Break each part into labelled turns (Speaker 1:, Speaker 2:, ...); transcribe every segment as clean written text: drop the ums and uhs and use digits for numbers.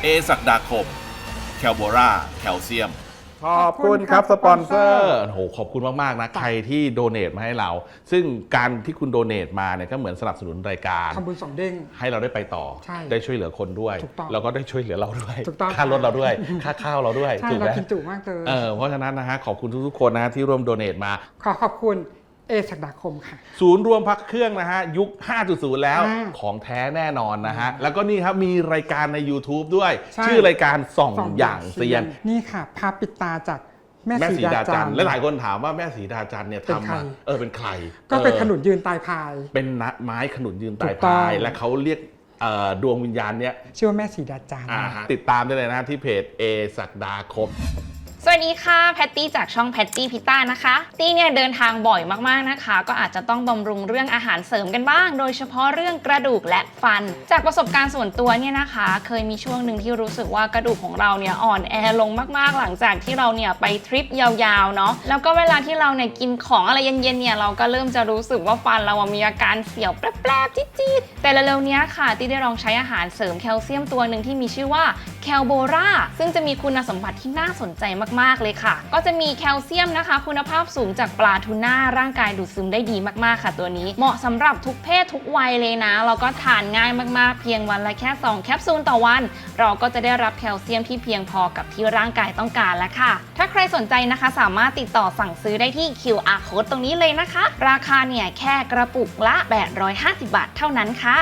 Speaker 1: ศักดาคมแคลโบราแคลเซียม
Speaker 2: ขอบคุณครับสปอนเซอร์
Speaker 3: โอ้โหขอบคุณมากๆนะใครที่โดเนทมาให้เรา ซึ่งการที่คุณโดเนทมาเนี่ยก็เหมือนสนับสนุนรายการ
Speaker 2: ทำบุญสองเด้ง
Speaker 3: ให้เราได้ไปต่อได้ช่วยเหลือคนด้วยแล้วก็ได้ช่วยเหลือเราด้วยค่ารถเราด้วยค่าข้าวเราด้วย
Speaker 2: ถูกไหมเรากินจุมากเลย
Speaker 3: เพราะฉะนั้นนะฮะขอบคุณทุกๆคนนะที่ร่วมโดเนทมา
Speaker 2: ขอบคุณศักดาคมค่ะ
Speaker 3: ศูนย์รวมพักเครื่องนะฮะยุค 5.0 แล้วของแท้แน่นอนนะฮะแล้วก็นี่ครับมีรายการใน YouTube ด้วยชื่อรายการส่องอย่างเซียน
Speaker 2: นี่ค่ะภาพปิดตาจากแม่สีดาจันทร์
Speaker 3: และหลายคนถามว่าแม่สีดาจันทร์เนี่ยทำมาเป็นใคร
Speaker 2: ก็เป็นขนุนยืนตายพาย
Speaker 3: เป็นไม้ขนุนยืนตายพายและเขาเรียกดวงวิญญาณเนี่ย
Speaker 2: ชื่อว่าแม่สีดาจันทร์
Speaker 3: ติดตามได้เลยนะที่เพจศักดาคม
Speaker 4: สวัสดีค่ะแพตตี้จากช่องแพตตี้พิต้านะคะตี้เนี่ยเดินทางบ่อยมากๆนะคะก็อาจจะต้องบำรุงเรื่องอาหารเสริมกันบ้างโดยเฉพาะเรื่องกระดูกและฟันจากประสบการณ์ส่วนตัวเนี่ยนะคะเคยมีช่วงหนึ่งที่รู้สึกว่ากระดูกของเราเนี่ยอ่อนแอลงมากๆหลังจากที่เราเนี่ยไปทริปยาวๆเนาะแล้วก็เวลาที่เราเนี่ยกินของอะไรเย็นๆเนี่ยเราก็เริ่มจะรู้สึกว่าฟันเรามีอาการเสียวแปรบๆจี๊ดๆแต่เร็วๆนี้ค่ะตี้ได้ลองใช้อาหารเสริมแคลเซียมตัวหนึ่งที่มีชื่อว่าแคลโบราซึ่งจะมีคุณสมบัติที่น่าสนใจมากๆเลยค่ะก็จะมีแคลเซียมนะคะคุณภาพสูงจากปลาทูน่าร่างกายดูดซึมได้ดีมากๆค่ะตัวนี้เหมาะสำหรับทุกเพศทุกวัยเลยนะแล้วก็ทานง่ายมากๆเพียงวันละแค่2แคปซูลต่อวันเราก็จะได้รับแคลเซียมที่เพียงพอกับที่ร่างกายต้องการแล้วค่ะถ้าใครสนใจนะคะสามารถติดต่อสั่งซื้อได้ที่ QR Code ตรงนี้เลยนะคะราคาเนี่ยแค่กระปุกละ850 บาทเท่านั้นค่ะ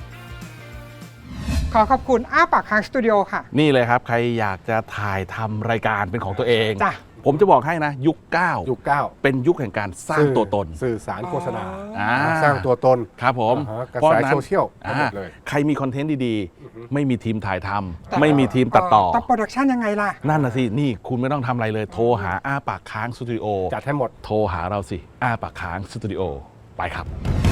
Speaker 2: ขอขอบคุณอ้าปากค้างสตูดิโอค่ะ
Speaker 3: นี่เลยครับใครอยากจะถ่ายทำรายการเป็นของตัวเองผมจะบอกให้นะยุค9เป็นยุคแห่งการสร้างตัวตน
Speaker 5: สื่อสารโฆษณาสร้างตัวตน
Speaker 3: ครับผม
Speaker 5: กระแสโซเชียลหมดเลย
Speaker 3: ใครมีคอนเทนต์ดีๆไม่มีทีมถ่ายทำไม่มีทีมตัดต่อ
Speaker 2: โปรดักชันยังไงล่ะ
Speaker 3: นั่นน่ะสินี่คุณไม่ต้องทำอะไรเลยโทรหาอ้าปากค้างสตูดิโอ
Speaker 5: จัดให้หมด
Speaker 3: โทรหาเราสิอ้าปากค้างสตูดิโอไปครับ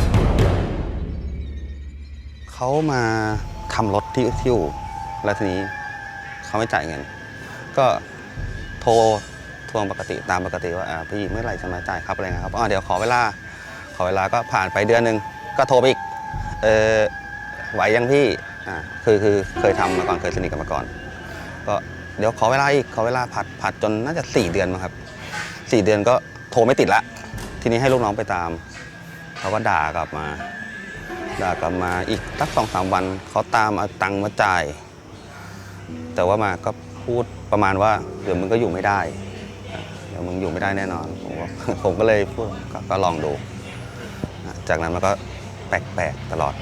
Speaker 6: เขามาทำรถที่อู่แล้วทีนี้เขาไม่จ่ายเงินก็โทรทวงปกติตามปกติว่าพี่เมื่อไหร่จะมาจ่ายครับอะไรเงี้ยครับเดี๋ยวขอเวลาก็ผ่านไปเดือนหนึ่งก็โทรไปอีกไหวยังพี่คือเคยทำมาก่อนเคยสนิทกันมาก่อนก็เดี๋ยวขอเวลาอีกขอเวลาผัดจนน่าจะ4 เดือนมั้งครับ4 เดือนก็โทรไม่ติดละทีนี้ให้ลูกน้องไปตามเขาก็ด่ากลับมาอีกสัก2-3 วันเขาตามเอาตังค์มาจ่ายแต่ว่ามาก็พูดประมาณว่าเดี๋ยวมึงก็อยู่ไม่ได้เดี๋ยวมึงอยู่ไม่ได้แน่นอนผมก็เลยพูดก็ลองดูจากนั้นมันก็แปลกๆตลอด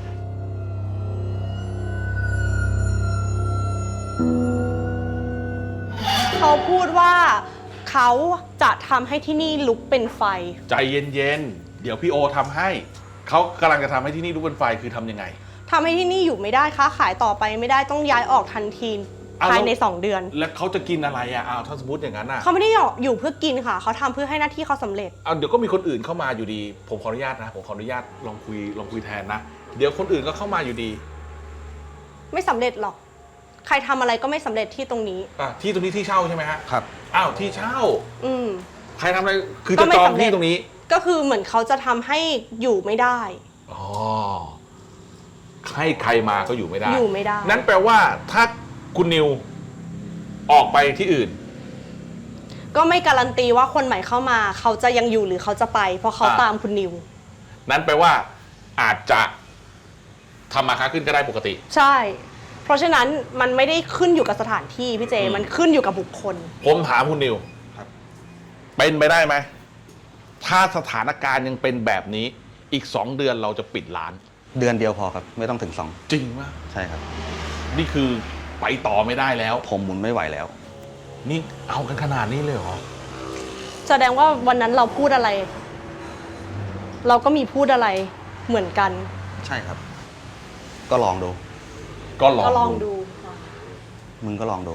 Speaker 7: เขาพูดว่าเขาจะทำให้ที่นี่ลุกเป็นไฟ
Speaker 3: ใจเย็นๆเดี๋ยวพี่โอทำให้เขากำลังจะทำให้ที่นี่ลุกเป็นไฟคือทำยังไง
Speaker 7: ทำให้ที่นี่อยู่ไม่ได้ค้าขายต่อไปไม่ได้ต้องย้ายออกทันทีภายใน2 เดือน
Speaker 3: แล้วเขาจะกินอะไรถ้าสมมติอย่างนั้น
Speaker 7: เขาไม่ได้อยู่เพื่อกินค่ะเขาทำเพื่อให้หน้าที่เขาสำเร็จ
Speaker 3: เดี๋ยวก็มีคนอื่นเข้ามาอยู่ดีผมขออนุญาตนะผมขออนุญาตลองคุยแทนนะเดี๋ยวคนอื่นก็เข้ามาอยู่ดี
Speaker 7: ไม่สำเร็จหรอกใครทำอะไรก็ไม่สำเร็จที่ตรงนี้
Speaker 3: ที่ตรงนี้ที่เช่าใช่ไหมฮะ
Speaker 6: ครับ
Speaker 3: ที่เช่าใครทำอะไรคือ
Speaker 7: จะ
Speaker 3: จองที่ตรงนี้
Speaker 7: ก็คือเหมือนเขาจะทำให้อยู่ไม่ได้
Speaker 3: ให้ใครมาก็อยู่ไม่ได้
Speaker 7: นั้น
Speaker 3: แปลว่าถ้าคุณนิวออกไปที่อื่น
Speaker 7: ก็ไม่การันตีว่าคนใหม่เข้ามาเขาจะยังอยู่หรือเขาจะไปเพราะเขาตามคุณนิว
Speaker 3: นั้นแปลว่าอาจจะทำมาค้าขึ้นก็ได้ปกติ
Speaker 7: ใช่เพราะฉะนั้นมันไม่ได้ขึ้นอยู่กับสถานที่พี่เจมันขึ้นอยู่กับบุคคล
Speaker 3: ผมถามคุณนิวเป็นไปได้ไหมถ้าสถานการณ์ยังเป็นแบบนี้อีก2 เดือนเราจะปิดร้าน
Speaker 6: เดือนเดียวพอครับไม่ต้องถึง2
Speaker 3: จริงมาก
Speaker 6: ใช่ครับ
Speaker 3: นี่คือไปต่อไม่ได้แล้ว
Speaker 6: ผมหมุนไม่ไหวแล้ว
Speaker 3: นี่เอากันขนาดนี้เลยเหรอ
Speaker 7: แสดงว่าวันนั้นเราพูดอะไรเราก็มีพูดอะไรเหมือนกัน
Speaker 6: ใช่ครับก็ลองดูมึงก็ลองดู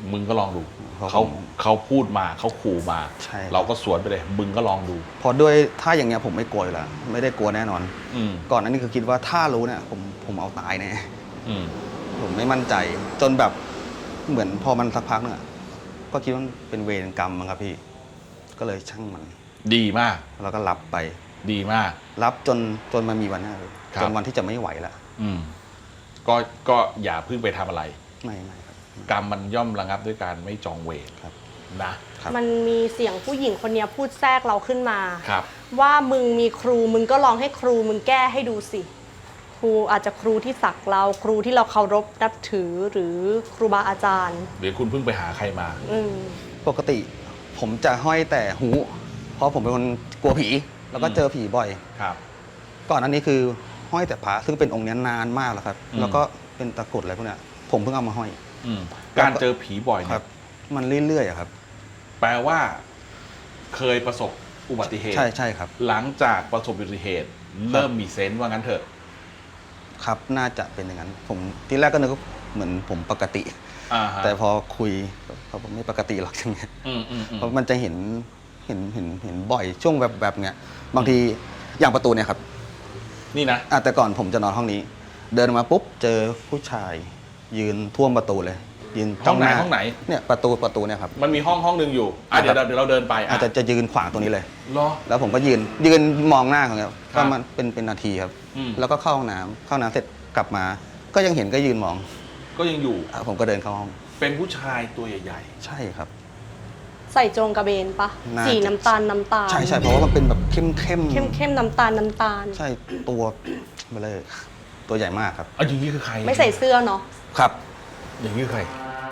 Speaker 3: เขาพูดมาเขาขู่มาเราก็สวนไปเลยมึงก็ลองดู
Speaker 6: พอด้วยถ้าอย่างเงี้ยผมไม่กลัวอยู่แล้วไม่ได้กลัวแน่นอนก่อนนั้นนี่คือคิดว่าถ้ารู้เนี่ยผมเอาตายแน่ผมไม่มั่นใจจนแบบเหมือนพอมันสักพักนึงก็คิดว่าเป็นเวรกรรมมั้งครับพี่ก็เลยช่างมัน
Speaker 3: ดีมาก
Speaker 6: แล้วก็รับไป
Speaker 3: ดีมาก
Speaker 6: รับจนมันมีวันนั้นจนวันที่จะไม่ไหวแล้ว
Speaker 3: ก็อย่าเพิ่งไปทำอะไร
Speaker 6: ไม่ครับ
Speaker 3: กรรมมันย่อมระงับด้วยการไม่จองเวร
Speaker 6: ครับ
Speaker 3: นะ
Speaker 6: ครับ
Speaker 7: มันมีเสียงผู้หญิงคนเนี้ยพูดแทรกเราขึ้นมา
Speaker 3: ครับ
Speaker 7: ว่ามึงมีครูมึงก็ลองให้ครูมึงแก้ให้ดูสิ ครูอาจจะครูที่สักเราครูที่เราเคารพนับถือหรือครูบาอาจารย์
Speaker 3: หรือคุณเพิ่งไปหาใครมา
Speaker 7: อืม
Speaker 6: ปกติผมจะห้อยแต่หู เพราะผมเป็นคนกลัวผี แล้วก็เจอผีบ่อย
Speaker 3: ครับ
Speaker 6: ก่อนอันนี้คือห้อยแต่พระซึ่งเป็นองค์นี้นานมากแล้วครับ
Speaker 3: อืม
Speaker 6: แล้วก็เป็นตะกรุดอะไรพวกเนี้ยผมเพิ่งเอามาห้อย
Speaker 3: การเจอผีบ่อย
Speaker 6: ค
Speaker 3: เนี่
Speaker 6: รั
Speaker 3: ย
Speaker 6: บ มันเรื่อยๆอะครับ
Speaker 3: แปลว่า เคยประสบอุบัติเหตุ
Speaker 6: ใช่ครับ
Speaker 3: หลังจากประสบอุบัติเหตุ เริ่มมีเซนส์ว่างั้นเถอะ
Speaker 6: ครับ น่าจะเป็นอย่างนั้น ผมทีแรกก็นึกว่าเหมือนผมปกติ
Speaker 3: อ่าฮะ
Speaker 6: แต่พอคุยเขาบอกไม่ปกติหรอกอย่างเงี้ย
Speaker 3: อืม
Speaker 6: เพราะมันจะเห็นบ่อยช่วงแบบเงี้ย บางทีอย่างประตูเนี่ยครับ
Speaker 3: นี่นะ
Speaker 6: แต่ก่อนผมจะนอนห้องนี้ เดินมาปุ๊บเจอผู้ชาย ยืนท่วมประตูเลย ยืน
Speaker 3: ห้องไหน
Speaker 6: จ้า
Speaker 3: ห้องไหน
Speaker 6: เนี่ยประตูเนี่ยครับ
Speaker 3: มันมีห้องหนึ่งอยู่เดี๋ยวเราเดินไป
Speaker 6: อาจจะยืนขวางตรงนี้เลย
Speaker 3: รอ
Speaker 6: แล้วผมก็ยืนมองหน้าเขาเนี่ย
Speaker 3: ครั
Speaker 6: ก็
Speaker 3: บ
Speaker 6: มันเป็นนาทีครับ
Speaker 3: อืม
Speaker 6: แล้วก็เข้าห้องน้ำเสร็จกลับมา ก็ยังเห็นก็ยืนมอง
Speaker 3: ก็ยังอยู่
Speaker 6: ผมก็เดินเข้าห้อง
Speaker 3: เป็นผู้ชายตัวใหญ่
Speaker 6: ใช่ครับ
Speaker 7: ใส่โจงกระเบนปะ
Speaker 6: น่าจะ
Speaker 7: สีน้ำตาล
Speaker 6: ใช่เพราะว่ามันเป็นแบบเข้ม
Speaker 7: เข้มน้ำตาล
Speaker 6: ใช่ตัวเบลอตัวใหญ่มากครับ
Speaker 3: ๆอย่างนี้คือใคร
Speaker 7: ไม่ใส่เสื้อเนาะ
Speaker 6: ครับ
Speaker 3: อย่างนี้คือใคร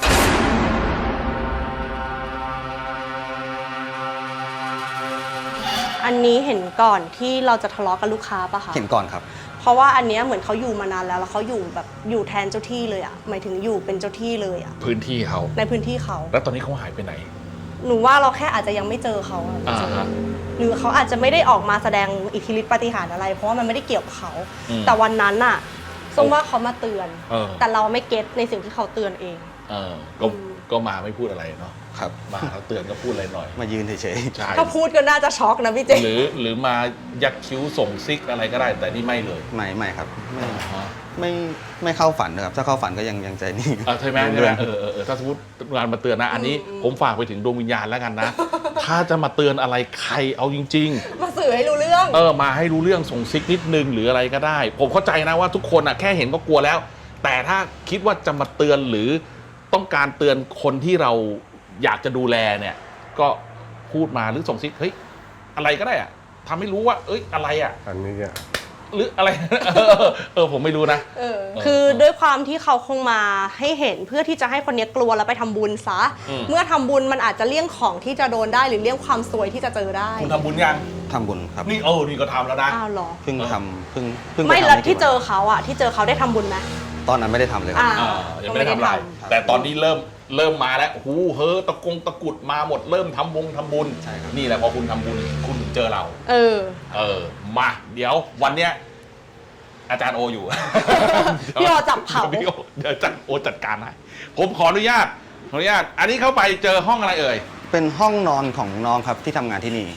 Speaker 7: อันนี้เห็นก่อนที่เราจะทะเลาะกับลูกค้าปะคะ
Speaker 6: เห็นก่อนครับ
Speaker 7: เพราะว่าอันเนี้ยเหมือนเขาอยู่มานานแล้วเขาอยู่แบบอยู่แทนเจ้าที่เลยอะหมายถึงอยู่เป็นเจ้าที่เลยอะ
Speaker 3: พื้นที่เขา
Speaker 7: ในพื้นที่เขา
Speaker 3: แล้วตอนนี้เขาหายไปไหน
Speaker 7: หนูว่าเราแค่อาจจะยังไม่เจอเขาอะ
Speaker 3: ฮะ
Speaker 7: หรือเขาอาจจะไม่ได้ออกมาแสดงอิทธิฤทธิปาฏิหาริย์อะไร เพราะว่ามันไม่ได้เกี่ยวกับเขา
Speaker 3: อืม
Speaker 7: แต่วันนั้นน่ะส้มว่าเขามาเตือน
Speaker 3: เออ
Speaker 7: แต่เราไม่เก็ตในสิ่งที่เขาเตือนเอง
Speaker 3: ก็มาไม่พูดอะไรเนาะ
Speaker 6: ครับ
Speaker 3: มาแล้วเตือนก็พูดอะไรหน่อย
Speaker 6: มายืนเฉย
Speaker 3: ใช่
Speaker 7: ถ้าพูดก็น่าจะช็อกนะพี่เจ
Speaker 3: หรือมายักคิ้วส่งซิกอะไรก็ได้ แต่นี่ไม่เลย
Speaker 6: ๆไม่ครับ
Speaker 3: ฮะ
Speaker 6: ไม่เข้าฝันนะครับ ถ้าเข้าฝันก็ยังใจนิ่ง
Speaker 3: ใช่ไหมถ้าสมมติงานมาเตือนนะ อันนี้ผมฝากไปถึงดวงวิญญาณแล้วกันนะ ถ้าจะมาเตือนอะไรใครเอาจริง
Speaker 7: มาสื่อให้รู้เรื่อง
Speaker 3: ๆ มาให้รู้เรื่องส่งซิกนิดนึงหรืออะไรก็ได้ ผมเข้าใจนะว่าทุกคนแค่เห็นก็กลัวแล้ว แต่ถ้าคิดว่าจะมาเตือนหรือต้องการเตือนคนที่เราอยากจะดูแลเนี่ย ก็พูดมาหรือส่งซิกเฮ้ยอะไรก็ได้อะทำให้รู้ว่าเอ้ยอะไรอะ
Speaker 5: อันนี้อะ
Speaker 3: หรืออะไร ผมไม่รู้นะ
Speaker 7: คือด้วยความที่เขาคงมาให้เห็นเพื่อที่จะให้คนเนี้ยกลัวแล้วไปทำบุญซะ เมื่อทำบุญมันอาจจะเลี่ยงของที่จะโดนได้หรือเลี่ยงความซวยที่จะเจอได้
Speaker 3: คุณทำบุญยัง
Speaker 6: ทำบุญครับ
Speaker 3: นี่นี่ก็ทำแล้วนะ
Speaker 7: อ้าวเหรอ
Speaker 6: เพิ่งทำเพิ่งป
Speaker 7: ไม่
Speaker 6: ทำ
Speaker 7: แล้ว
Speaker 6: กี่
Speaker 7: ที่เจอ
Speaker 6: วัน
Speaker 7: เขาอะที่เจอเขาได้ทำบุญไหม
Speaker 6: ตอนนั้นไม่ได้ทำเลยครับ
Speaker 3: ยังไม่ได้ทำอะไร แต่ตอนนี้เริ่มมาแล้วโอ้โหเฮ้อตะกุดมาหมดเริ่มทำบุญ
Speaker 6: ใช่ครับ
Speaker 3: นี่แหละพอคุณทำบุญคุณถึงเจอเรา มาเดี๋ยววันเนี้ยอาจารย์โออยู่
Speaker 7: พี่โอจับเผา
Speaker 3: เดี๋ยวอาจารย์โอจัดการให้ผมขออนุญาต อันนี้เข้าไปเจอห้องอะไรเอ่ย
Speaker 6: เป็นห้องนอนของน้องครับที่ทำงานที่นี่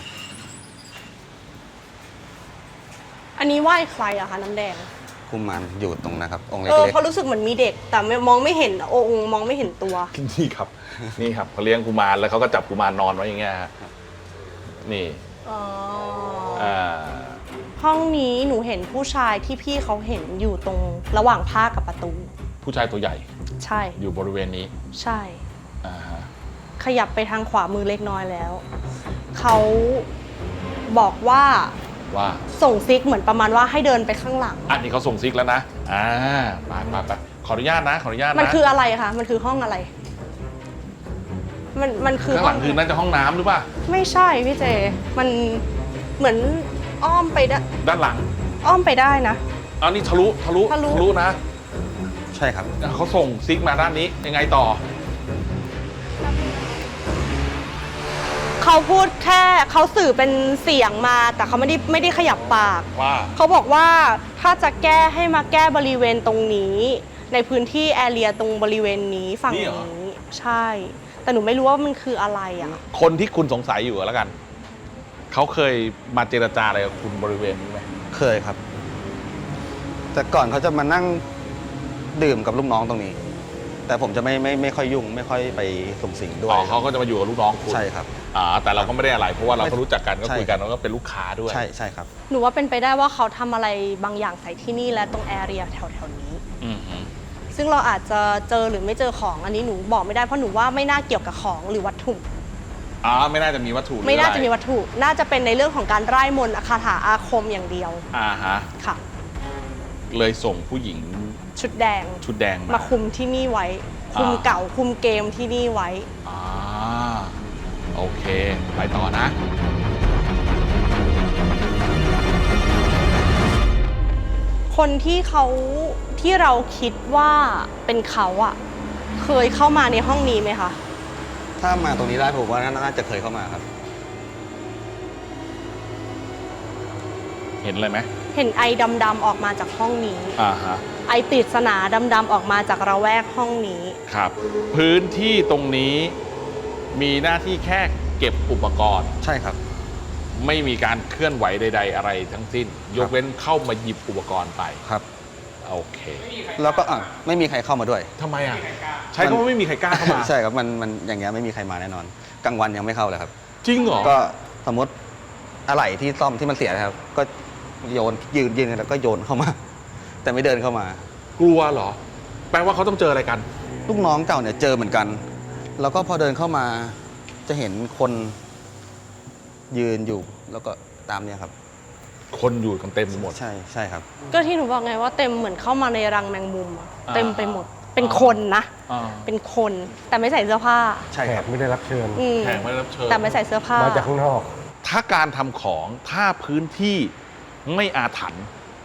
Speaker 7: อันนี้ไหว้ใครอะคะน้ำแดง
Speaker 6: กุมารอยู่ตรงนะครับ องค์เล็ก
Speaker 7: เพราะรู้สึกเหมือนมีเด็ก แต่มองไม่เห็นองค์มองไม่เห็นตัว
Speaker 3: นี่ครับ นี่ครับเขาเลี้ยงกุมารแล้วเขาก็จับกุมารนอนไว้อย่างเงี้ยฮะนี่
Speaker 7: อ๋อ
Speaker 3: อ่า
Speaker 7: ห้องนี้หนูเห็นผู้ชายที่พี่เขาเห็นอยู่ตรงระหว่างผ้ากับประตู
Speaker 3: ผู้ชายตัวใหญ่
Speaker 7: ใช่
Speaker 3: อยู่บริเวณนี้
Speaker 7: ใช่
Speaker 3: อ่าฮะ
Speaker 7: ขยับไปทางขวามือเล็กน้อยแล้ว เขาบอกว่า
Speaker 3: ว่า
Speaker 7: ส่งซิกเหมือนประมาณว่าให้เดินไปข้างหลัง
Speaker 3: อันนี้เขาส่งซิกแล้วนะไปขออนุญาตนะ
Speaker 7: มันคืออะไรคะ มันคือห้องอะไร มันคือ
Speaker 3: ข้างหลังคือน่าจะห้องน้ำหรือเปล่า
Speaker 7: ไม่ใช่พี่เจ มันเหมือนอ้อมไปได้
Speaker 3: ด้านหลัง
Speaker 7: อ้อมไปได้นะ
Speaker 3: อันนี้ทะลุนะ
Speaker 6: ๆ ใช่ครับ
Speaker 3: เขาส่งซิกมาด้านนี้ยังไงต่อ
Speaker 7: เขาพูดแค่เขาสื่อเป็นเสียงมา แต่เขาไม่ได้ขยับปาก
Speaker 3: ว่า
Speaker 7: เขาบอกว่าถ้าจะแก้ให้มาแก้บริเวณตรงนี้ ในพื้นที่แอเรียตรงบริเวณนี้ฝั่ง
Speaker 3: นี่เหรอ
Speaker 7: นี้ใช่ แต่หนูไม่รู้ว่ามันคืออะไรอ่ะ
Speaker 3: คนที่คุณสงสัยอยู่แล้วกัน เขาเคยมาเจรจาอะไรกับคุณบริเวณนี้ไหม
Speaker 6: เคยครับ แต่ก่อนเขาจะมานั่งดื่มกับลูกน้องตรงนี้ แต่ผมจะไม่ค่อยยุ่ง ไม่ค่อยไปสุงสิงด้วย
Speaker 3: เขาก็จะมาอยู่กับลูกน้องคุณ
Speaker 6: ใช่ครับ
Speaker 3: แต่เราก็ไม่ได้อะไร เพราะว่าเราก็รู้จักกันก็
Speaker 6: ใช่
Speaker 3: คุยกันแล้วก็เป็นลูกค้าด้วย
Speaker 6: ใช่ครับ
Speaker 7: หนูว่าเป็นไปได้ว่าเขาทำอะไรบางอย่างใส่ที่นี่และตรงแอเรียแถวๆนี้
Speaker 3: อืมฮึ
Speaker 7: ซซึ่งเราอาจจะเจอหรือไม่เจอของอันนี้หนูบอกไม่ได้เพราะหนูว่าไม่น่าเกี่ยวกับของหรือวัตถุ
Speaker 3: ไม่น่าจะมีวัตถุหรือ
Speaker 7: ไม่น่า
Speaker 3: อร
Speaker 7: จะมีวัตถุ น่าจะเป็นในเรื่องของการไร้มนต์คาถาอาคมอย่างเดียว
Speaker 3: ฮะ
Speaker 7: ค่ะ
Speaker 3: เลยส่งผู้หญิง
Speaker 7: ชุดแดง
Speaker 3: ชุดแดง
Speaker 7: มาคุมที่นี่ไว้ คุมเก่าคุมเกมที่นี่ไว้
Speaker 3: โอเค ไปต่อนะ
Speaker 7: คนที่เราคิดว่าเป็นเขาอะเคยเข้ามาในห้องนี้ไหมคะ
Speaker 6: ถ้ามาตรงนี้ได้ผมว่าน่าจะเคยเข้ามาครับ
Speaker 3: เห็นอะไรไหม
Speaker 7: เห็นไอดำๆออกมาจากห้องนี้
Speaker 3: ฮะ
Speaker 7: ไอปริศนาดำๆออกมาจากระแวกห้องนี้
Speaker 3: ครับ พื้นที่ตรงนี้มีหน้าที่แค่เก็บอุปกรณ์
Speaker 6: ใช่ครับ
Speaker 3: ไม่มีการเคลื่อนไหวใด ๆ อะไรทั้งสิ้น ยกเว้นเข้ามาหยิบอุปกรณ์ไป
Speaker 6: ครับ
Speaker 3: โอเค
Speaker 6: แล้วก็ไม่มีใครเข้ามาด้วย
Speaker 3: ทำไมอ่ะ ใช้คำว่าไม่มีใครกล้าเข้ามา
Speaker 6: ใช่ครับมันอย่างเงี้ยไม่มีใครมาแน่นอนกลางวันยังไม่เข้าเลยครับ
Speaker 3: จริงเหรอ
Speaker 6: ก็สมมติอะไหล่ที่ซ่อมที่มันเสียนะครับ ก็โยนยืนแล้วก็โยนเข้ามา แต่ไม่เดินเข้ามาก
Speaker 3: ลัวเหรอ แปลว่าเขาต้องเจออะไรกัน
Speaker 6: ลูกน้องเก่าเนี่ยเจอเหมือนกัน แล้วก็พอเดินเข้ามาจะเห็นคนยืนอยู่แล้วก็ตามเนี่ยครับ
Speaker 3: คนอยู่กันเต็มไปหมด
Speaker 6: ใช่ครับ
Speaker 7: ก็ที่หนูบอกไงว่าเต็มเหมือนเข้ามาในรังแมงมุมอะ
Speaker 3: อ่า
Speaker 7: เต็มไปหมด เป็นคนนะ
Speaker 3: อ่า
Speaker 7: เป็นคนแต่ไม่ใส่เสื้อผ้า
Speaker 6: ใช่
Speaker 5: แข
Speaker 6: ครับ
Speaker 5: กไม่ได้รับเชิญ
Speaker 7: อืม
Speaker 3: แขกไม่ได้รับเชิญ
Speaker 7: แต่ไม่ใส่เสื้อผ้า
Speaker 5: มาจากข้างนอก
Speaker 3: ถ้าการทำของถ้าพื้นที่ไม่อาถรรพ์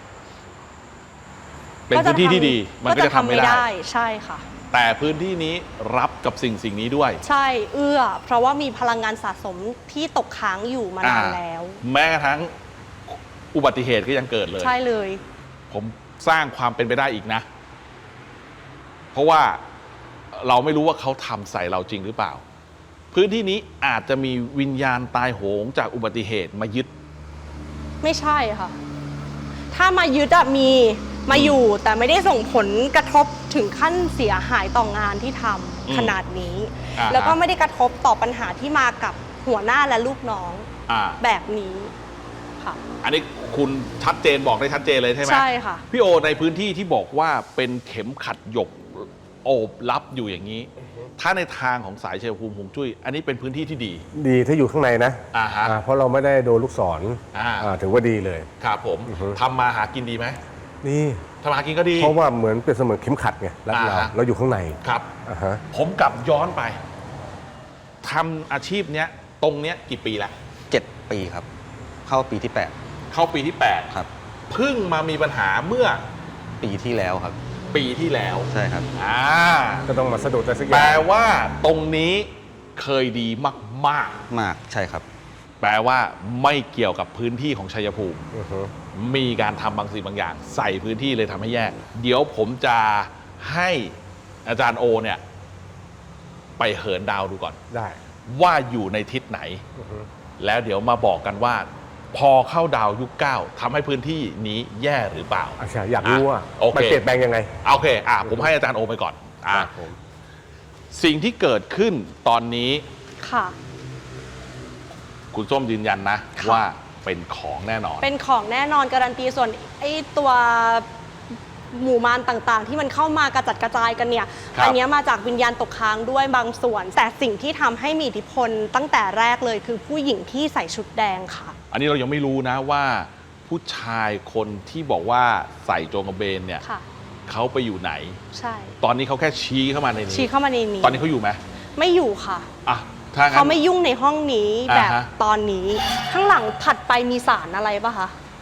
Speaker 3: เป็นพื้นที่ที่ดี มันก็จะทำไม่ได้
Speaker 7: ใช่ค่ะ
Speaker 3: แต่พื้นที่นี้รับกับสิ่งนี้ด้วย
Speaker 7: ใช่เอื้อ เพราะว่ามีพลังงานสะสมที่ตกค้างอยู่มานานแล้ว
Speaker 3: แม้กระทั่งอุบัติเหตุก็ยังเกิดเลย
Speaker 7: ใช่เลย
Speaker 3: ผมสร้างความเป็นไปได้อีกนะ เพราะว่าเราไม่รู้ว่าเขาทำใส่เราจริงหรือเปล่า พื้นที่นี้อาจจะมีวิญญาณตายโหงจากอุบัติเหตุมายึด
Speaker 7: ไม่ใช่ค่ะ ถ้ามายึดอะมีมาอยู่แต่ไม่ได้ส่งผลกระทบถึงขั้นเสียหายต่องานที่ทำขนาดนี้
Speaker 3: อ่าฮะ
Speaker 7: แล้วก็ไม่ได้กระทบต่อปัญหาที่มากับหัวหน้าและลูกน้อง
Speaker 3: อ่า
Speaker 7: แบบนี้ค่ะ
Speaker 3: อันนี้คุณชัดเจนบอกได้ชัดเจนเลยใช่ไหม
Speaker 7: ใช่ค่ะ
Speaker 3: พี่โอในพื้นที่ที่บอกว่าเป็นเข็มขัดหยกโอบลับอยู่อย่างนี้ ถ้าในทางของสายชัยภูมิฮวงจุ้ยอันนี้เป็นพื้นที่ที่ดี
Speaker 5: ดีถ้าอยู่ข้างในนะ
Speaker 3: ฮะ
Speaker 5: เพราะเราไม่ได้โดนลูกศร ถือว่าดีเลย
Speaker 3: ครับผม
Speaker 5: อือฮึ
Speaker 3: ทำมาหากินดีไหม
Speaker 5: นี่
Speaker 3: ทำมาหากินก็ดี
Speaker 5: เพราะว่าเหมือนเป็นเสมือนเข็มขัดไงรัดเรา
Speaker 3: อ่าฮะ
Speaker 5: เราอยู่ข้างใน
Speaker 3: ครับ
Speaker 5: อ่าฮะ
Speaker 3: ผมกลับย้อนไปทำอาชีพเนี้ยตรงเนี้ยกี่ปีแล้ว
Speaker 6: 7 ปีครับ เข้าปีที่
Speaker 3: เข้าปีที่
Speaker 6: 8 ครับ
Speaker 3: 8เพิ่งมามีปัญหาเมื่อ
Speaker 6: ปีที่แล้วครับ
Speaker 3: ปีที่แล้ว
Speaker 6: ใช่ครับ
Speaker 5: ก็ต้องมาสะดุดอะไรสักอ
Speaker 3: แปล
Speaker 5: ย่าง
Speaker 3: ว่าตรงนี้เคยดีมาก
Speaker 6: มากใช่ครับ
Speaker 3: ๆ แปลว่าไม่เกี่ยวกับพื้นที่ของชัยภูมิ
Speaker 5: อือฮึ
Speaker 3: มีการทำบางสิ่งบางอย่าง ใส่พื้นที่เลยทำให้แยก เดี๋ยวผมจะให้อาจารย์โอเนี่ย ไปเหินดาวดูก่อน
Speaker 5: ได้
Speaker 3: ว่าอยู่ในทิศไหน
Speaker 5: อือฮึ
Speaker 3: แล้วเดี๋ยวมาบอกกันว่า พอเข้าดาวยุค 9ทำให้พื้นที่นี้แย่หรือเปล่า
Speaker 5: อาชาอยากรู้ว่า
Speaker 3: โอเค
Speaker 5: มันเปลี่ยนแปลงยังไง
Speaker 3: โอเคผมให้อาจารย์โอไปก่อน
Speaker 5: ครับผม
Speaker 3: สิ่งที่เกิดขึ้นตอนนี้
Speaker 7: ค่ะ
Speaker 3: คุณส้มยืนยันนะ
Speaker 7: ค่ะ
Speaker 3: ว่าเป็นของแน่นอน
Speaker 7: เป็นของแน่นอนการันตีส่วนไอ้ตัวหมู่มารต่างๆ ที่มันเข้ามากระจัดกระจายกันเนี่ย
Speaker 3: ครับ
Speaker 7: อัเนี้ยมาจากวิญญาณตกค้างด้วยบางส่วน แต่สิ่งที่ทำให้มีอิทธิพลตั้งแต่แรกเลยคือผู้หญิงที่ใส่ชุดแดงค่ะ
Speaker 3: อันนี้เรายังไม่รู้นะว่าผู้ชายคนที่บอกว่าใส่โจงกระเบนเนี่ย
Speaker 7: ค่ะ
Speaker 3: เขาไปอยู่ไหน
Speaker 7: ใช่
Speaker 3: ตอนนี้เขาแค่ชี้เข้ามาในนี้
Speaker 7: ชี้เข้ามาในนี้
Speaker 3: ตอนนี้เขาอยู่ไหม
Speaker 7: ไม่อยู่ค่ะ
Speaker 3: อ่ะถ้างั้น
Speaker 7: เขาไม่ยุ่งในห้องนี้
Speaker 3: อ่าฮะ
Speaker 7: แบบตอนนี้ ข้างหลังถัดไปมีสารอะไรปะคะ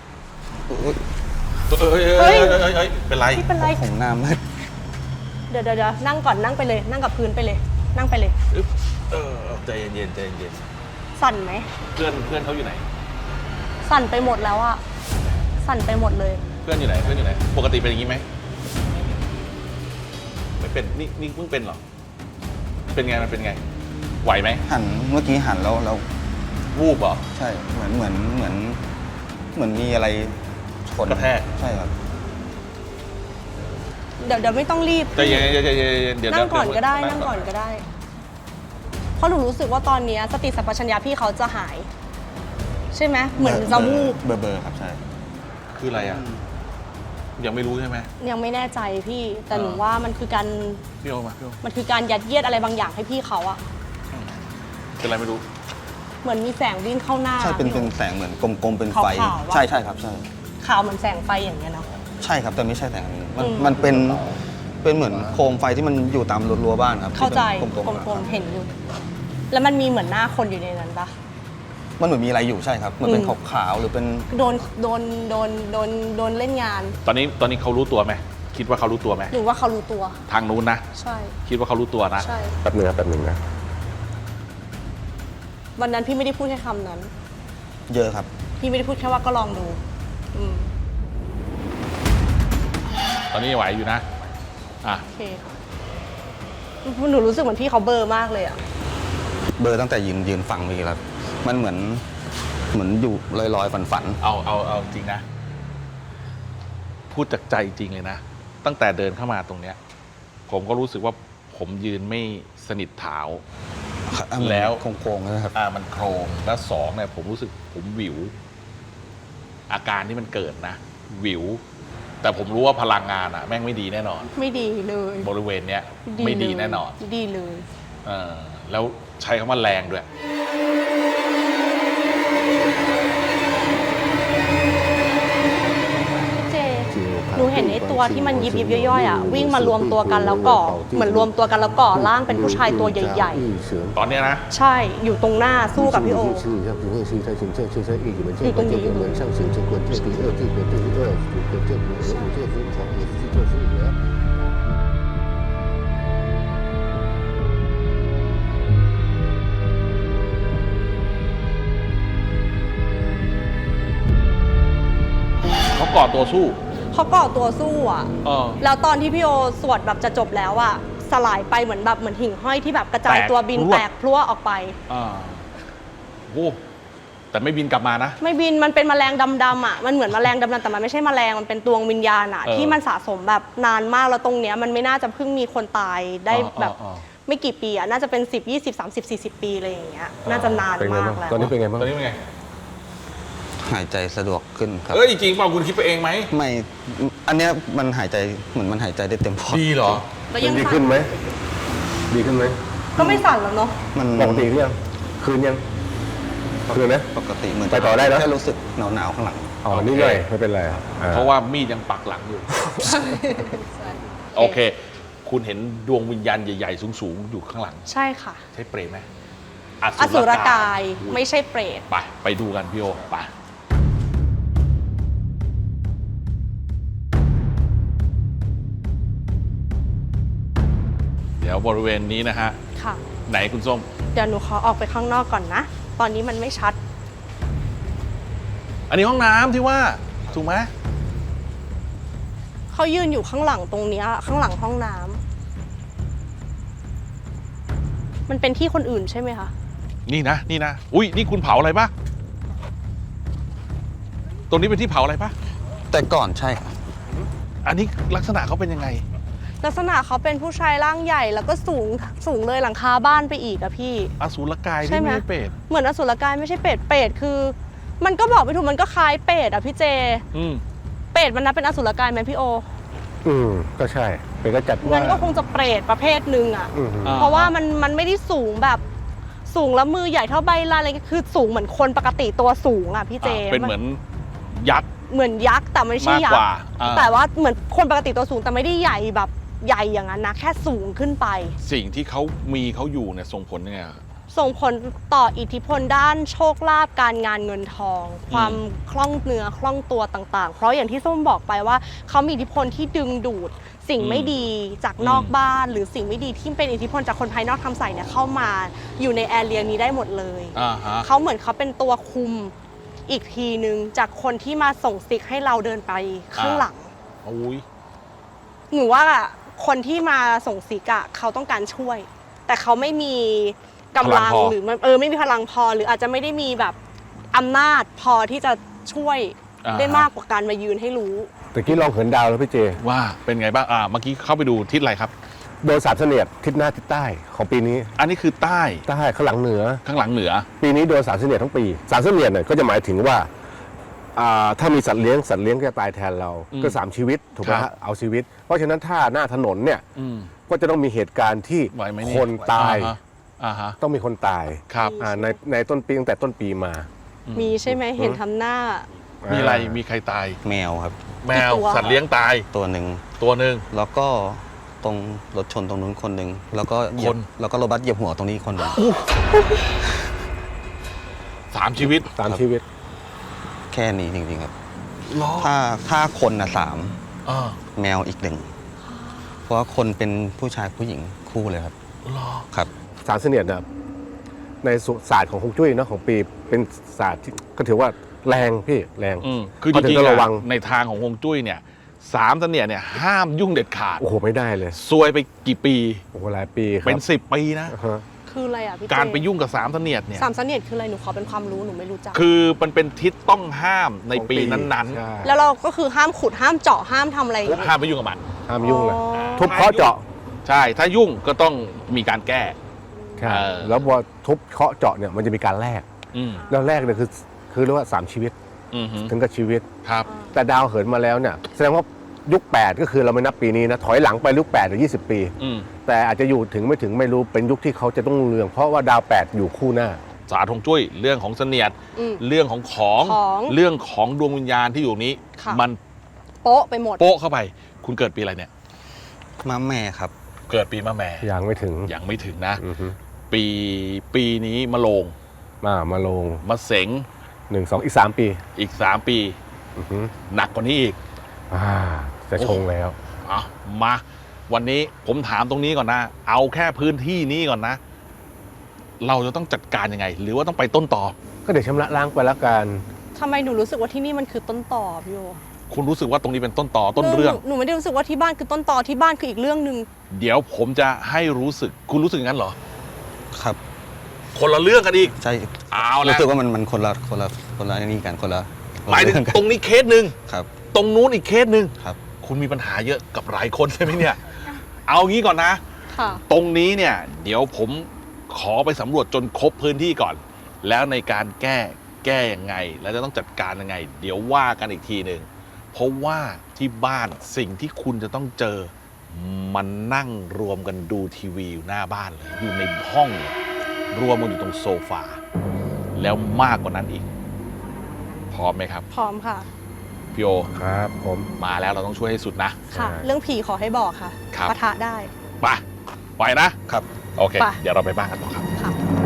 Speaker 3: เอ้ยเป็นไร
Speaker 7: ที่เป็นไร
Speaker 6: ผมหน้ามืด
Speaker 7: เดี๋ยวนั่งก่อนนั่งไปเลย นั่งกับพื้นไปเลย นั่งไปเลย
Speaker 3: อึ๊บใจเย็นใจเย็น
Speaker 7: สั่นไหม
Speaker 3: เพื่อนเขาอยู่ไหน
Speaker 7: สั่นไปหมดแล้วอะสั่นไปหมดเลย
Speaker 3: เพื่อนอยู่ไหนปกติเป็นอย่างนี้ไหมไม่เป็นนี่เพิ่งเป็นเหรอเป็นไงมันเป็นไงไหวไหม
Speaker 6: เมื่อกี้หันแล้ว
Speaker 3: วูบเหรอ
Speaker 6: ใช่เหมือนมีอะไรชน
Speaker 3: กระแทก
Speaker 6: ใช่ครับ
Speaker 7: เดี๋ยวไม่ต้องรีบ
Speaker 3: ใจเย็นเดี๋ยว
Speaker 7: นั่งก่อนก็ได้
Speaker 3: เยว
Speaker 7: นั่งก่อนก็ได้ เพราะหนูรู้สึกว่าตอนเนี้ยสติสัมปชัญญะพี่เขาจะหาย ใช่ไหมเหมือนจะวูบ
Speaker 6: เบอร์ครับใช่
Speaker 3: คืออะไรอ่ะยังไม่รู้ใช่ไหม
Speaker 7: ยังไม่แน่ใจพี่ แต่หนูว่ามันคือการ
Speaker 3: พี่โอมาพี่โอ
Speaker 7: มันคือการยัดเยียดอะไรบางอย่างให้พี่เขาอะ
Speaker 3: เป็นอะไรไม่รู้
Speaker 7: เหมือนมีแสงวิ่งเข้าหน้า
Speaker 6: ใช่เป็น
Speaker 7: พี่โอ
Speaker 6: แสงเหมือนกลมๆเป็นไฟ
Speaker 7: ขาวๆวะ
Speaker 6: ใช่ใช่ครับใช่
Speaker 7: ขาวเหมือนแสงไฟอย่างเงี้ยเนาะ
Speaker 6: ใช่ครับแต่ไม่ใช่แสงอันนี้มัน
Speaker 7: อืม
Speaker 6: มันเป็นเหมือนโคมไฟที่มันอยู่ตามรั้วบ้านครับ
Speaker 7: เข้าใจ
Speaker 6: ที่เป็น
Speaker 7: ก
Speaker 6: ๆ
Speaker 7: ลมๆเห็นอยู่ แล้วมันมีเหมือนหน้าคนอยู่ในนั้นปะ
Speaker 6: มันเหมือนมีอะไรอยู่ใช่ครับเหมือนเป็น
Speaker 7: อืม
Speaker 6: ขาวๆหรือเป็น
Speaker 7: โดนเล่นงาน
Speaker 3: ตอนนี้เขารู้ตัวไหมคิดว่าเขารู้ตัวไหม
Speaker 7: หรือว่าเขารู้ตัว
Speaker 3: ทางนู้นนะ
Speaker 7: ใช่
Speaker 3: คิดว่าเขารู้ตัวนะ
Speaker 7: ใช่
Speaker 5: แป๊บนึงนะ
Speaker 7: วันนั้นพี่ไม่ได้พูดแค่คำนั้น
Speaker 6: เยอะครับ
Speaker 7: พี่ไม่ได้พูดแค่ว่าก็ลองดู อืม
Speaker 3: ตอนนี้ยังไหวอยู่นะอ่ะ
Speaker 7: โอเคหนูรู้สึกเหมือนพี่เขาเบลอร์มากเลยอะ
Speaker 6: เบอร์ตั้งแต่ยืนฟังเมื่อกี้แล้วมันเหมือนอยู่ลอยๆฝัน
Speaker 3: เอาจริงนะ พูดจากใจจริงเลยนะ ตั้งแต่เดินเข้ามาตรงเนี้ย ผมก็รู้สึกว่าผมยืนไม่สนิทเท้า
Speaker 6: ๆ
Speaker 3: แล้ว
Speaker 6: โค้งๆนะครับ
Speaker 3: มันโครงแล้วสองเนี่ยผมรู้สึกผมหวิว อาการที่มันเกิดนะหวิว แต่ผมรู้ว่าพลังงานแม่งไม่ดีแน่นอน
Speaker 7: ไม่ดีเลย
Speaker 3: บริเวณเนี้ยไม่ดีแน่นอน
Speaker 7: ไม่ดีเลย
Speaker 3: แล้วใช้คำว่าแรงด้วย
Speaker 7: เจ หนูเห็นไอ้ตัวที่มันยิบย่อยๆอ่ะวิ่งมารวมตัวกันแล้วก่อเหมือนรวมตัวกันแล้วก่อร่างเป็นผู้ชายตัวใหญ่
Speaker 3: ตอนเนี้ยนะ
Speaker 7: ๆ ใช่อยู่ตรงหน้าสู้กับพี่โอ อยู่ตรงนี้อยู่
Speaker 3: เขาก่อตัวสู้
Speaker 7: เขาก่อตัวสู้อ่ะ
Speaker 3: เออ
Speaker 7: แล้วตอนที่พี่โอสวดแบบจะจบแล้วอ่ะสลายไปเหมือนหิ่งห้อยที่แบบกระจาย
Speaker 3: แตก
Speaker 7: ตัวบิน
Speaker 3: พรวด
Speaker 7: แตกพลั่วออกไป
Speaker 3: โอ้แต่ไม่บินกลับมานะ
Speaker 7: ไม่บินมันเป็นแมลงดำๆอ่ะมันเหมือนแมลงดำๆแต่มันไม่ใช่แมลงมันเป็นดวงวิญญาณอ่ะ ที่มันสะสมแบบนานมากแล้วตรงเนี้ยมันไม่น่าจะเพิ่งมีคนตายได้แบบ ไม่กี่ปีอ่ะน่าจะเป็น10 20 30 40 ปีอะไรอย่างเงี้ยน่าจะนาน
Speaker 5: เป็นไง
Speaker 7: มา
Speaker 5: บ้าก ง
Speaker 7: แล้ว
Speaker 5: ตอนนี้เป็นไงบ้าง
Speaker 3: ตอนนี้เป็นไง
Speaker 6: หายใจสะดวกขึ้นครับ
Speaker 3: เอ้ยจริงเปล่าคุณคิดไปเองไหม
Speaker 6: ไม่อันเนี้ยมันหายใจเหมือนมันหายใจได้เต็มปอด
Speaker 3: ดีเหรอ
Speaker 7: แล้ว
Speaker 5: มั
Speaker 7: ยั
Speaker 5: น
Speaker 7: ง
Speaker 5: ดี
Speaker 7: สั่
Speaker 5: ขึ้
Speaker 7: น
Speaker 5: นไหมดีขึ้นไหม
Speaker 7: ก็ไม่สั่นแล้วเนาะ
Speaker 6: มัน
Speaker 5: ปกติหรือยังคืนยังคืนนะ
Speaker 6: ปกติเหมือน
Speaker 5: ไปต่อได้นะ
Speaker 6: แค่รู้สึกหนาวๆข้างหลัง
Speaker 5: อ๋อนี่หน่อยไม่เป็นไร
Speaker 3: เพราะว่ามีดยังปักหลังอยู่ โอเค คุณเห็นดวงวิญญาณใหญ่ๆ สูงๆ อยู่ข้างหลัง
Speaker 7: ใช่ค่ะ
Speaker 3: ใช่เปรตไหม
Speaker 7: อสุรกาย
Speaker 3: อุ๊ย
Speaker 7: ไม่ใช่เปรต
Speaker 3: ไปดูกันพี่โอไปเดี๋ยวบริเวณนี้นะฮะ
Speaker 7: ค่ะ
Speaker 3: ไหนคุณส้ม
Speaker 7: เดี๋ยวหนูขอออกไปข้างนอกก่อนนะ ตอนนี้มันไม่ชัด
Speaker 3: อันนี้ห้องน้ำที่ว่า ถูกไหม
Speaker 7: เขายืนอยู่ข้างหลังตรงเนี้ยข้างหลังห้องน้ำมันเป็นที่คนอื่นใช่ไหมคะ
Speaker 3: นี่นะ อุ้ยนี่คุณเผาอะไรปะตรงนี้เป็นที่เผาอะไรปะ
Speaker 6: แต่ก่อนใช่ครับ
Speaker 3: อันนี้ลักษณะเขาเป็นยังไง
Speaker 7: ลักษณะเขาเป็นผู้ชายร่างใหญ่แล้วก็สูงเลยหลังคาบ้านไปอีกอะพี่
Speaker 3: อสูรกาย
Speaker 7: ใช่
Speaker 3: ที่
Speaker 7: ไหม
Speaker 3: ไม่ใช่เปรต
Speaker 7: เหมือนอสุรกายไม่ใช่เปรตเปรตคือ มันก็บอกไม่ถูกมันก็คล้ายเปรตอะพี่เจ
Speaker 3: อืม
Speaker 7: เปรตมันนับเป็นอสุรกายไหมพี่โอ
Speaker 5: ก็ใช่เป็นก็จัดว่า
Speaker 7: งั้นก็คงจะเปรตประเภทหนึ่งอะ
Speaker 3: อ่า
Speaker 7: เพราะว่ามันไม่ได้สูงแบบสูงแล้วมือใหญ่เท่าใบลานอะไรเงี้ยคือสูงเหมือนคนปกติตัวสูงอะพี่เจ
Speaker 3: เป็นเหมือนยักษ์
Speaker 7: เหมือนยักษ์แต่ไม่ใช่
Speaker 3: มาก
Speaker 7: ยั
Speaker 3: ก
Speaker 7: ก
Speaker 3: ว่า
Speaker 7: ษ์
Speaker 3: อ่า
Speaker 7: แต่ว่าเหมือนคนปกติตัวสูงแต่ไม่ได้ใหญ่แบบใหญ่อย่างนั้นนะแค่สูงขึ้นไป
Speaker 3: สิ่งที่เขาอยู่เนี่ยส่งผลยังไงอะ
Speaker 7: ส่งผลต่ออิทธิพลด้านโชคลาภการงานเงินทอง ความคล่องเนื้อคล่องตัวต่างๆ เพราะอย่างที่ส้มบอกไปว่าเขามีอิทธิพลที่ดึงดูด สิ่งไม่ดีจากนอกบ้าน หรือสิ่งไม่ดีที่เป็นอิทธิพลจากคนภายนอกทำใส่เนี่ยเข้ามาอยู่ในแอเรียนี้ได้หมดเลย
Speaker 3: ฮะ
Speaker 7: เขาเหมือนเขาเป็นตัวคุมอีกทีนึงจากคนที่มาส่งซิกให้เราเดินไปข้างหลัง
Speaker 3: อุ้ย
Speaker 7: หนูว่าคนที่มาส่งซิกอะเขาต้องการช่วย แต่เขาไม่มีกำลังหรือไม่มีพลังพอหรืออาจจะไม่ได้มีแบบอำนาจพอที่จะช่วยได้มากกว่าการมายืนให้รู้
Speaker 5: ตะกี้ลองเหินดาวแล้วพี่เจ
Speaker 3: ว่าเป็นไงบ้างเมื่อกี้เข้าไปดูทิศอะไรครับ
Speaker 5: โดนสามเสนียดทิศหน้าทิศใต้ของปีนี้
Speaker 3: อันนี้คือใต้
Speaker 5: ใต้ข้างหลังเหนือ
Speaker 3: ข้างหลังเหนือ
Speaker 5: ปีนี้โดนสามเสนียดทั้งปีสามเสนียดเนี่ยก็จะหมายถึงว่าถ้ามีสัตว์เลี้ยงก็จะตายแทนเรา ก็3ชีวิตถูกไหม
Speaker 3: ครั
Speaker 5: ฮะ
Speaker 3: บ
Speaker 5: เอาชีวิต เพราะฉะนั้นถ้าหน้าถนนเนี่ย
Speaker 3: อืม
Speaker 5: ก็จะต้องมีเหตุการณ์ที่
Speaker 3: ไหวไหมเนี่ย
Speaker 5: คนตาย
Speaker 3: อ่าฮะ
Speaker 5: ต้องมีคนตาย
Speaker 3: ครับ
Speaker 5: ในต้นปีตั้งแต่ต้นปีมา
Speaker 7: มีใช่ไหมเห็นทำหน้า
Speaker 3: มีอะไรมีใครตาย
Speaker 6: แมวครับ
Speaker 3: แมว
Speaker 7: กี่ตัว
Speaker 3: สัตว์เลี้ยงตาย
Speaker 6: ตัวหนึ่ง
Speaker 3: ตัวหนึ่ง
Speaker 6: แล้วก็ตรงรถชนตรงนู้นคนหนึ่งแล้วก็เหยีย
Speaker 3: ค
Speaker 6: บ
Speaker 3: น
Speaker 6: แล้วก็รถบัสเหยียบหัวตรงนี้คนหนึ่ง
Speaker 3: 3 ชีวิต
Speaker 5: 3 ชีวิต
Speaker 6: แค่นี้จริงๆครับ
Speaker 3: ล้อ
Speaker 6: ถ้าคนนะ
Speaker 3: อ่า
Speaker 6: 3แมวอีกหนึ่งเพราะว่าคนเป็นผู้ชายผู้หญิงคู่เลยครับ
Speaker 3: ล้อ
Speaker 6: ครับ
Speaker 5: สารเสนียดเนี่ยในศาสตร์ของฮวงจุ้ยเนาะของปีเป็นศาสตร์ที่ก็ถือว่าแรงพี่แรง
Speaker 3: คือจ
Speaker 5: ก็ถึ
Speaker 3: ริง
Speaker 5: ต้
Speaker 3: ๆ
Speaker 5: ระวัง
Speaker 3: ในทางของฮวงจุ้ยเนี่ย3เสนียดเนี่ยห้ามยุ่งเด็ดขาด
Speaker 5: โอ้โหไม่ได้เลย
Speaker 3: ซวยไปกี่ปี
Speaker 5: โอ้โหหลายปีครับ
Speaker 3: เป็น 10 ปีนะ
Speaker 5: อ่าฮะ
Speaker 7: คืออะไรอ่ะพี่เจ
Speaker 3: การไปยุ่งกับ3เสนียดเนี่ย
Speaker 7: สามเสนียดคืออะไรหนูขอเป็นความรู้หนูไม่รู้จัก
Speaker 3: คือมันเป็นทิศต้องห้ามในปี
Speaker 5: ของ
Speaker 3: นั้น
Speaker 5: ใช่
Speaker 7: แล้วเราก็คือห้ามขุดห้ามเจาะห้ามทำอะไร
Speaker 3: ๆห้ามไปยุ่งกับมัน
Speaker 5: ห้ามยุ่งเลย
Speaker 7: อ๋อ
Speaker 5: ทุบเคาะเจาะ
Speaker 3: ใช่ ถ้ายุ่งก็ต้องมีการแก้
Speaker 5: ครับ
Speaker 3: เออ
Speaker 5: แล้วพอทุบเคาะเจาะเนี่ยมันจะมีการแลก
Speaker 3: อืม
Speaker 5: แล้วแลกเนี่ยคือเรียกว่า3ชีวิต
Speaker 3: อืมฮึ
Speaker 5: ถึงกับชีวิต
Speaker 3: ครับ
Speaker 5: แต่ดาวเหินมาแล้วเนี่ยแสดงว่ายุค 8 ก็คือเราไม่นับปีนี้นะถอยหลังไปยุค8หรือ20 ปี
Speaker 3: อืม
Speaker 5: แต่อาจจะอยู่ถึงไม่ถึงไม่รู้เป็นยุคที่เขาจะต้องเรือง เพราะว่าดาว 8 อยู่คู่หน้า
Speaker 3: ศาสตร์ฮวงจุ้ยเรื่องของเสนียด
Speaker 7: อืม
Speaker 3: เรื่องของของ
Speaker 7: ของ
Speaker 3: เรื่องของดวงวิญญาณที่อยู่นี้
Speaker 7: ค่ะ
Speaker 3: มัน
Speaker 7: โป๊ะไปหมด
Speaker 3: โป๊ะเข้าไป คุณเกิดปีอะไรเนี่ย
Speaker 6: ม้าแม่ครับ
Speaker 3: เกิดปีมะแม่
Speaker 5: ยังไม่ถึง
Speaker 3: ยังไม่ถึงนะ
Speaker 5: อือฮึ
Speaker 3: ปีนี้มะโรง
Speaker 5: มาลง
Speaker 3: มะเสง
Speaker 5: 1 2 อีก 3 ปี
Speaker 3: อีก 3 ปี
Speaker 5: อือฮึ
Speaker 3: หนักกว่านี้อีก
Speaker 5: จะชงแล้ว
Speaker 3: เอามาวันนี้ผมถามตรงนี้ก่อนนะ เอาแค่พื้นที่นี้ก่อนนะ เราจะต้องจัดการยังไง หรือว่าต้องไปต้นต่อ
Speaker 5: ก็เดี๋ยวชำระล้างไปแล้วกัน
Speaker 7: ทำไมหนูรู้สึกว่าที่นี่มันคือต้นต่อพี่โอ
Speaker 3: คุณรู้สึกว่าตรงนี้เป็นต้นต่อต้นเรื่อง
Speaker 7: หนูไม่ได้รู้สึกว่าที่บ้านคือต้นต่อที่บ้านคืออีกเรื่องหนึ่ง
Speaker 3: เดี๋ยวผมจะให้รู้สึก คุณรู้สึกอย่างนั้นเหรอ
Speaker 6: ครับ
Speaker 3: คนละเรื่องกันอีก
Speaker 6: ใช่
Speaker 3: เอาละ
Speaker 6: รู้สึกว่ามันคนละนี่กันคนละ
Speaker 3: หมายถึง
Speaker 6: เรื่องกัน
Speaker 3: ตรงนี้เคสหนึ่ง
Speaker 6: ครับ
Speaker 3: ตรงนู้นอีกเคสหนึ่ง
Speaker 6: ครับ
Speaker 3: คุณมีปัญหาเยอะกับหลายคนใช่ไหมเนี่ย เอางี้ก่อนนะ
Speaker 7: ค่ะ
Speaker 3: ตรงนี้เนี่ย เดี๋ยวผมขอไปสำรวจจนครบพื้นที่ก่อน แล้วในการแก้ยังไง แล้วจะต้องจัดการยังไง เดี๋ยวว่ากันอีกทีหนึ่งเพราะว่าที่บ้านสิ่งที่คุณจะต้องเจอ มันนั่งรวมกันดูทีวีอยู่หน้าบ้านเลยอยู่ในห้องเลยรวมกันอยู่ตรงโซฟาแล้วมากกว่านั้นอีกพร้อมไหมครับ
Speaker 7: พร้อมค่ะ
Speaker 3: พี่โอ
Speaker 5: ครับผม
Speaker 3: มาแล้วเราต้องช่วยให้สุดนะ
Speaker 7: ค่ะ
Speaker 5: ใช่
Speaker 7: เรื่องผีขอให้บอกค่ะ
Speaker 3: ครับ
Speaker 7: ปะทะได้
Speaker 3: ไปนะครับ โอเค
Speaker 7: ไป
Speaker 3: เดี๋ยวเราไปบ้านกันต่อครับ
Speaker 7: ค่ะ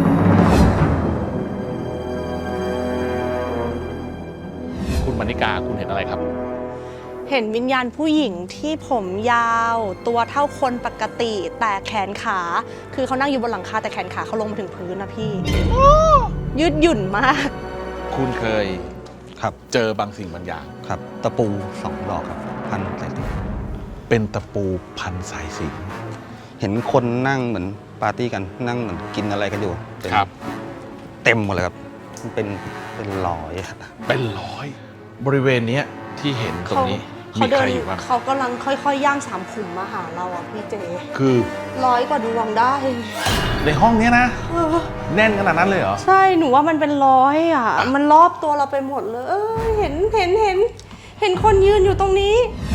Speaker 3: คุณมณิกาคุณเห็นอะไรครับ
Speaker 7: เห็นวิญญาณผู้หญิงที่ผมยาว ตัวเท่าคนปกติ แต่แขนขา คือเขานั่งอยู่บนหลังคาแต่แขนขาเขาลงมาถึงพื้นนะพี่ ยืดหยุ่นมาก
Speaker 3: คุณเคย
Speaker 6: ครับ
Speaker 3: เจอบางสิ่งบางอย่าง
Speaker 6: ครับ ตะปู2 ดอกครับ พันใส่ถุง
Speaker 3: เป็นตะปูพันสายสิญจน
Speaker 6: เห็นคนนั่งเหมือนปาร์ตี้กันนั่งเหมือนกินอะไรกันอยู่เป็น
Speaker 3: ครับ
Speaker 6: เต็มหมดเลยครับเป็นร้อยอะ
Speaker 3: เป็นร้อย บริเวณเนี้ยที่เห็นตรงนี้
Speaker 7: เขา
Speaker 3: มี
Speaker 7: เดิ
Speaker 3: ใคร
Speaker 7: น
Speaker 3: อยู่บ้าง
Speaker 7: เขากำลังค่อยๆ ย่างสามขุมมาหาเราอ่ะพี่เจ
Speaker 3: คือ
Speaker 7: 100 กว่าดวงได้
Speaker 3: ในห้องเนี้ยนะ
Speaker 7: เออ
Speaker 3: แน่นขนาดนั้นเลยเหรอ
Speaker 7: ใช่หนูว่ามันเป็น100อ่ะ มันรอบตัวเราไปหมดเลย เห็นคนยืนอยู่ตรงนี้